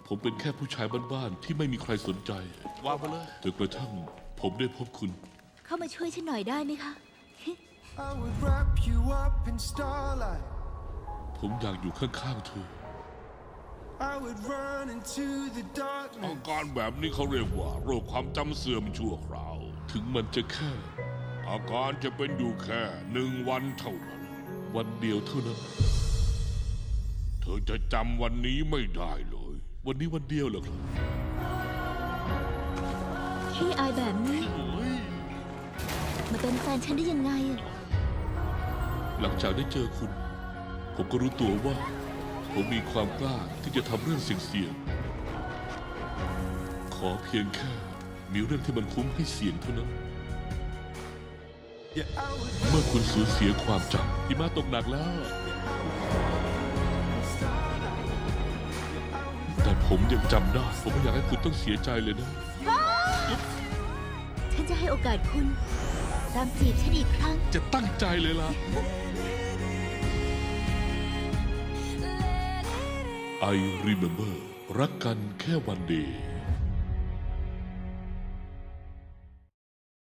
ผมเป็นแค่ผู้ชายบ้านๆที่ไม่มีใครสนใจวางไปเลยจนกระทั่งผมได้พบคุณเข้ามาช่วยฉันหน่อยได้ไหมคะ I would wrap you up in starlight. ผมอยากอยู่ข้างๆเธอ I would run into the อา darkness. การแบบนี้เขาเรียกว่าโรคความจำเสื่อมชั่วคราว ถึงมันจะแค่ อาการจะเป็นอยู่แค่1 วันเท่านั้น วันเดียวเท่านั้น เธอจะจำวันนี้ไม่ได้เลย วันนี้วันเดียวเหรอครับขี้อายแบบนี้โอ้ยมาเป็นแฟนฉันได้ยังไงอะหลังจากได้เจอคุณ ผมก็รู้ตัวว่า ผมมีความกล้าที่จะทำเรื่องเสี่ยงๆ ขอเพียงแค่มีเรื่องที่มันคุ้มให้เสี่ยงเท่านั้น Yeah, I would เมื่อคุณสูญเสียความจำหิมะตกหนักแล้ว แต่ผมยังจำได้ ผมไม่อยากให้คุณต้องเสียใจเลยนะฉันจะให้โอกาสคุณตามจีบฉันอีกครั้งจะตั้งใจเลยล่ะ I remember รักกันแค่วันเดียว